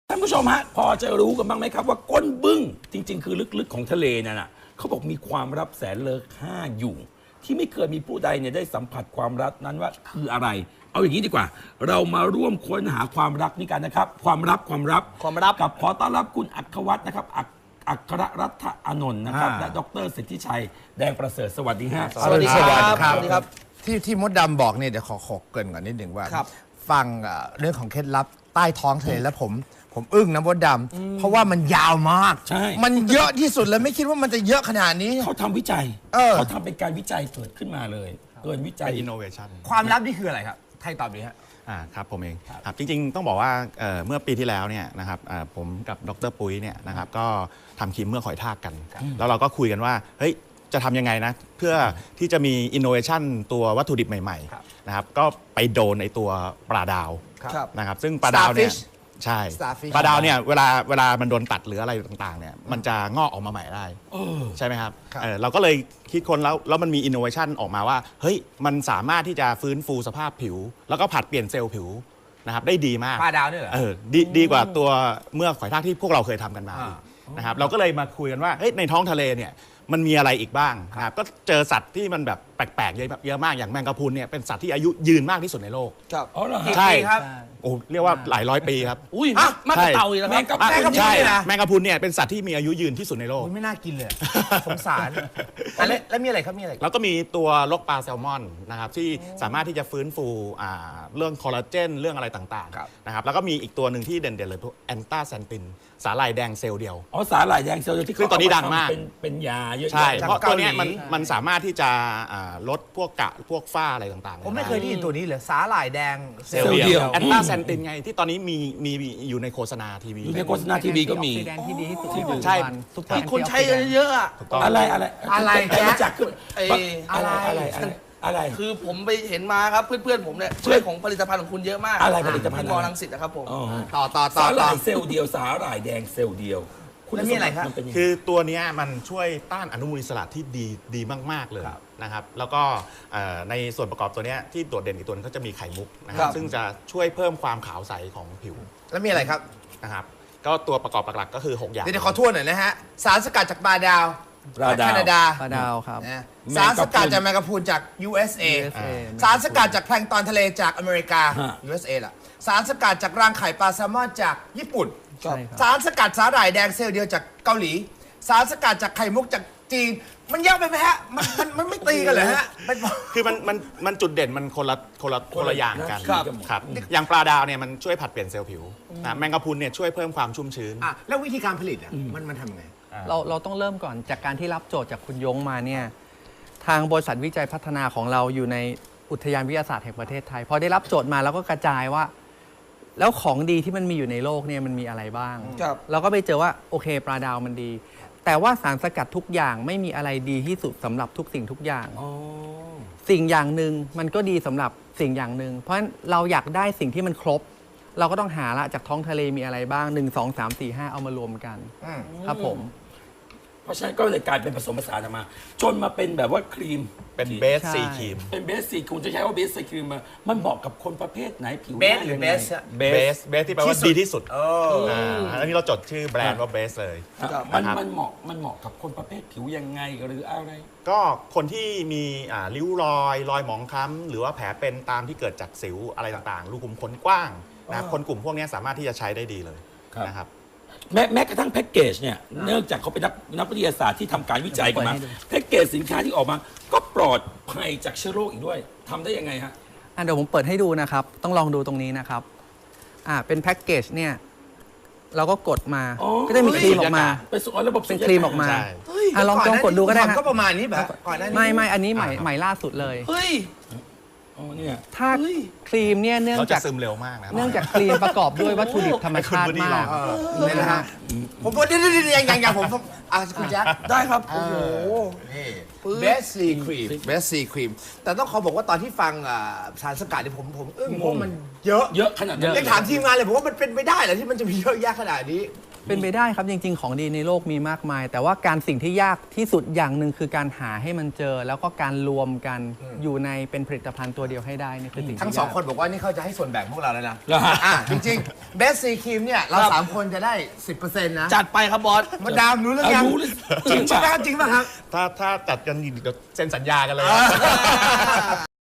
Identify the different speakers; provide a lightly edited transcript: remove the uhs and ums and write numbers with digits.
Speaker 1: ท่านผู้ชมฮะพอจะรู้กันบ้างไหมครับว่าก้นบึ้งจริงๆคือลึกๆของทะเลนั่นน่ะเขาบอกมีความลับแสนเลอค่าอยู่ ที่ไม่เคยมีผู้ใดเนี่ยได้สัมผัสความลับนั้นว่าคืออะไร เอาอย่างนี้ดีกว่า เรามาร่วมค้นหาความรักนี้กันนะครับ ความลับกับขอต้อนรับคุณอัครวัฒน์นะครับอัครรัตน์อานนท์นะครับและดรสิทธิชัยแดงประเสริฐสวัสดีฮะ
Speaker 2: สวัสดีครับ
Speaker 3: สวัสดีครับที่มดดำบอกเนี่ยเดี๋ยวขอเกริ่นก่อนนิดหนึ่งว่า ฟังเรื่องของเคล็ดลับใต้ท้องทะเลแล้วผมอึ้งนะมดดำเพราะว่ามันยาวมาก
Speaker 1: ใช่
Speaker 3: มันเยอะที่สุดเลยไม่คิดว่ามันจะเยอะขนาดนี้
Speaker 1: เขาทำวิจัย เขาทำเป็นการวิจัยเกิดขึ้นมาเลยเกินวิจัย
Speaker 2: เป็น innovation
Speaker 3: ความลับนี่คืออะไรครับไทยตอบดีฮะ
Speaker 2: ครับผมเองครับจริงๆต้องบอกว่าเมื่อปีที่แล้วเนี่ยนะครับผมกับดรปุ้ยเนี่ยนะครับก็ทำครีมเมื่อหอยทากกัน แล้วเราก็คุยกันว่าเฮ้ยจะทำยังไงนะเพื่อที่จะมี innovation ตัววัตถุดิบใหม่ๆนะครับก็ไปโดนในตัวปลาดาว
Speaker 3: ครับ
Speaker 2: นะครับซึ่งปลาดาวเนี่ย
Speaker 3: Starfish
Speaker 2: ใช่
Speaker 3: Starfish
Speaker 2: ปลาดาวเนี่ยเวลามันโดนตัดหรืออะไรต่างๆเนี่ยมันจะงอกออกมาใหม่ได้ใช่ไหมครับ
Speaker 3: ครับ
Speaker 2: เราก็เลยคิดค้นแล้วมันมี innovation ออกมาว่าเฮ้ยมันสามารถที่จะฟื้นฟูสภาพผิว แล้วก็ผัดเปลี่ยนเซลล์ผิวนะครับได้ดีมาก
Speaker 3: ปลาดาวเนี่ยเหรอ
Speaker 2: ดีกว่าตัวเมื่อหอยทากที่พวกเราเคยทำกันมานะครับเราก็เลยมาคุยกันว่าเฮ้ยในท้องทะเลเนี่ยมันมีอะไรอีกบ้างนะครับก็เจอสัตว์ที่มันแบบแปลกๆเยอะมากอย่างแมงกะพรุนเนี่ยเป็นสัตว์ที่อายุยืนมากที่สุดในโลก
Speaker 3: ครับ
Speaker 1: อ๋อเหรอฮะ
Speaker 2: ใช่
Speaker 3: ครับ
Speaker 2: โอ้เรียกว่าหลายร้อยปีครับ
Speaker 4: อุ้ยมากกว่าเต่าอีกแล้วครับ
Speaker 3: แม่กะพรุน
Speaker 2: ใช่
Speaker 3: เนี่ยนะ
Speaker 2: แมงกะพรุนเนี่ยเป็นสัตว์ที่มีอายุยืนที่สุดในโลก
Speaker 3: โอ้ยไม่น่ากินเลยสงสารแล้วมีอะไรครับมีอะไร
Speaker 2: แล้วก็มีตัวลกปลาแซลมอนนะครับที่สามารถที่จะฟื้นฟูเรื่องคอลลาเจนเรื่องอะไรต่าง
Speaker 3: ครับ
Speaker 2: ๆนะครับแล้วก็มีอีกตัวหนึ่งที่เด่นๆเลยพวกแอนตาแซนตินสาหร่ายแดงเซลล์เดียว
Speaker 1: อ๋อสาหร่ายแดงเซลล์ที่
Speaker 2: ซึ่งตอนนี้ดังมาก
Speaker 1: เป็นยาเยอะๆ
Speaker 2: ใช่
Speaker 3: จาก
Speaker 2: เพราะตัวเนี้ย
Speaker 3: เกาหลี
Speaker 2: มันสามารถที่จะลดพวกฝ้าอะไรต่างๆ
Speaker 3: ผมไม่เคยได้ยินตัวนี้เลยสาหร่ายแดง
Speaker 2: เซลล์เดียวแอนตาแซนตินไงที่ตอนนี้มีอยู่ในโฆษณาทีวี
Speaker 1: อยู่ในโฆษณาทีวีก็มี
Speaker 4: แสดงที่ดีที่สุด
Speaker 2: ใช่
Speaker 4: ทุก
Speaker 2: ที่
Speaker 4: คนใช้เยอะๆอ่ะ
Speaker 2: ถูกต้อง
Speaker 1: อะไร แต่รู้จักคือ
Speaker 4: ไอ้
Speaker 1: อะไร
Speaker 4: คือผมไปเห็นมาครับเพื่อนๆผมเนี่ยช่วยของผลิตภัณฑ์ของคุณเยอะมาก
Speaker 1: อะไรผลิตภัณฑ์
Speaker 4: ที่มอรังสิตนะครับผม
Speaker 1: อ๋อ
Speaker 3: ต่อ
Speaker 1: สาหร่ายเซลล์เดียวสาหร่ายแดงเซลล์เดียว
Speaker 3: แล้วมีอะไรครับ
Speaker 1: มันเป็นยังไง
Speaker 2: คือตัวเนี้ยมันช่วยต้านอนุมูลอิสระที่ดีมาก ๆ เลยนะครับแล้วก็ในส่วนประกอบตัวเนี้ยที่โดดเด่นอีกตัวนึงก็จะมีไข่มุกนะค
Speaker 3: ครั
Speaker 2: รับบ ซึ่งจะช่วยเพิ่มความขาวใสของผิว
Speaker 3: แล้วมีอะไรครับ
Speaker 2: นะครับก็ตัวประกอบหลักๆก็คือ 6 อย่าง
Speaker 3: เดี๋ยวขอทวนหน่อยนะฮะสารสกัดจากปลาดาว
Speaker 1: ปลาดาว
Speaker 3: แคนาดา
Speaker 4: ปลาดาวครับ
Speaker 3: นะสารสกัดจากแมงกะพรุนจาก USA สารสกัดจากแพลงก์ตอนทะเลจากอเมริกา
Speaker 1: ฮะ
Speaker 3: USA ล่ะสารสกัดจากรังไข่ปลาแซลมอนจากญี่ปุ่น
Speaker 4: ใช่ครับ
Speaker 3: สารสกัดสาหร่ายแดงเซลล์เดียวจากเกาหลี สารสกัดจากไข่มุกจากจีน มันยากไปไหมฮะมันไม่ตีกันเหรอฮะเป็น
Speaker 2: คือมันจุดเด่นมันคนละอย่างกัน
Speaker 1: ครับ
Speaker 2: ครับอย่างปลาดาวเนี่ยมันช่วยผัดเปลี่ยนเซลล์ผิวนะแมงกะพรุนเนี่ยช่วยเพิ่มความชุ่มชื้น
Speaker 3: อ่ะแล้ววิธีการผลิตอ่ะมันทำยังไง
Speaker 4: เราต้องเริ่มก่อนจากการที่รับโจทย์จากคุณยงมาเนี่ยทางบริษัทวิจัยพัฒนาของเราอยู่ในอุทยานวิทยาศาสตร์แห่งประเทศไทยพอได้รับโจทย์มาแล้วก็กระจายว่า แล้วของดีที่มันมีอยู่ในโลกเนี่ยมันมีอะไรบ้าง
Speaker 3: ครับ
Speaker 4: เราก็ไปเจอว่าโอเคปลาดาวมันดี แต่ว่าสารสกัดทุกอย่างไม่มีอะไรดีที่สุดสำหรับทุกสิ่งทุกอย่าง
Speaker 1: อ๋อ
Speaker 4: สิ่งอย่างหนึ่งมันก็ดีสำหรับสิ่งอย่างหนึ่งเพราะฉะนั้นเราอยากได้สิ่งที่มันครบ เราก็ต้องหาละจากท้องทะเลมีอะไรบ้าง 1 2 3 4 5 เอามารวมกัน
Speaker 3: อืม
Speaker 4: ครับผม
Speaker 1: เพราะฉะนั้นก็เลยกลายเป็นผสมผสานออกมา จนมาเป็นแบบว่าครีม
Speaker 2: เป็นเบส
Speaker 4: ใช่
Speaker 2: ซีครีม
Speaker 1: เป็นเบสซีคุณจะใช้ว่าเบสซีครีมมันเหมาะกับคนประเภทไหนผิว
Speaker 3: เบส
Speaker 1: น้า
Speaker 3: หรือ
Speaker 1: ยัง
Speaker 3: เบ
Speaker 1: ไง
Speaker 3: สอะ
Speaker 2: เบสที่แปลว่า
Speaker 3: ที่สุด
Speaker 2: ดีที่สุด
Speaker 3: เออ
Speaker 2: อันนี้เราจดชื่อแบรนด์ว่าเบสเลย
Speaker 1: มัน
Speaker 2: นะครับ
Speaker 1: เหมาะกับคนประเภทผิวยังไงหรืออะไร
Speaker 2: ก็คนที่มีริ้วรอยหมองคล้ำหรือว่าแผลเป็นตามที่เกิดจากสิวอะไรต่างๆ รูขุมขนกว้างนะครับคนกลุ่มพวกนี้สามารถที่จะใช้ได้ดีเลย
Speaker 1: ครับ
Speaker 2: นะครับ
Speaker 1: แม้กระทั่งแพ็กเกจเนี่ยเนื่องจากเขาเป็นนักวิทยาศาสตร์ที่ทำการวิจัยกันมา
Speaker 4: เดี๋ยวผมเปิดให้ดู
Speaker 1: แพ็กเกจสินค้าที่ออกมา ก็ปลอดภัยจากเชื้อโรคอีกด้วยทำได้ยังไงฮะ
Speaker 4: เดี๋ยวผมเปิดให้ดูนะครับ ต้องลองดูตรงนี้นะครับเป็นแพ็กเกจเนี่ยเราก็กดมา
Speaker 1: อ๋อ
Speaker 4: ก็จะมีครีมออกมา
Speaker 1: เป็นส่วนระบบ
Speaker 4: เป็นครีมออกมา
Speaker 2: ใช่
Speaker 4: ลองกดดูก็ได้
Speaker 3: ก่อน
Speaker 4: ฮะ
Speaker 3: ก็ประมาณนี้แบบก่อนหน้านี้
Speaker 4: ไม่อันนี้ใหม่ล่าสุดเลย
Speaker 3: เฮ้ย
Speaker 1: อ๋อเนี่ย
Speaker 4: ถ้าครีมเนี่ยเนื่อง
Speaker 2: เราจะ
Speaker 4: จาก
Speaker 2: ซึมเร็วมากนะครับ
Speaker 4: เนื่องจากครีมประกอบด้วยวัตถุดิบธรรมชาติมาก
Speaker 3: เนี่ยนะฮะผมว่าเดี๋ยวยังผมคุณแจ็ค
Speaker 4: ได้ครับ
Speaker 3: โอ้โหนี่เบสซีครีมเบสซีครีมแต่ต้องขอบอกว่าตอนที่ฟังสารสกัดเนี่ยผมอึ้งเพราะมันเยอะ
Speaker 1: เยอะขนาดนั้น
Speaker 3: ยังถามทีมงานเลยผมว่ามันเป็นไปได้เหรอที่มันจะมีเยอะแยะขนาดนี้
Speaker 4: เป็นไปได้ครับจริงๆของดีในโลกมีมากมาย แต่ว่าสิ่งที่ยากที่สุดอย่างหนึ่งคือการหาให้มันเจอ แล้วก็การรวมกันอยู่ในเป็นผลิตภัณฑ์ตัวเดียวให้ได้นี่คือสิ่งที่
Speaker 3: ทั้งสอง
Speaker 4: ยาก
Speaker 3: คนบอกว่านี่เขาจะให้ส่วนแบ่งพวกเราแล้วนะ
Speaker 1: เหรอฮะ
Speaker 3: จริงๆเบสซีครีมเนี่ยเราสามคนจะได้ 10%นะ
Speaker 5: จัดไปครับบอส
Speaker 3: มดดามรู้เรื่อง
Speaker 1: เอา
Speaker 3: ยัง
Speaker 1: รู้เลยจ
Speaker 3: จ
Speaker 1: ริ
Speaker 3: ริ
Speaker 1: ง
Speaker 3: ง
Speaker 1: ป่ะ
Speaker 3: ป่ะจริงป่ะครับ
Speaker 2: ถ้าจัดกันเดี๋ยวเซ็นสัญญากันเลย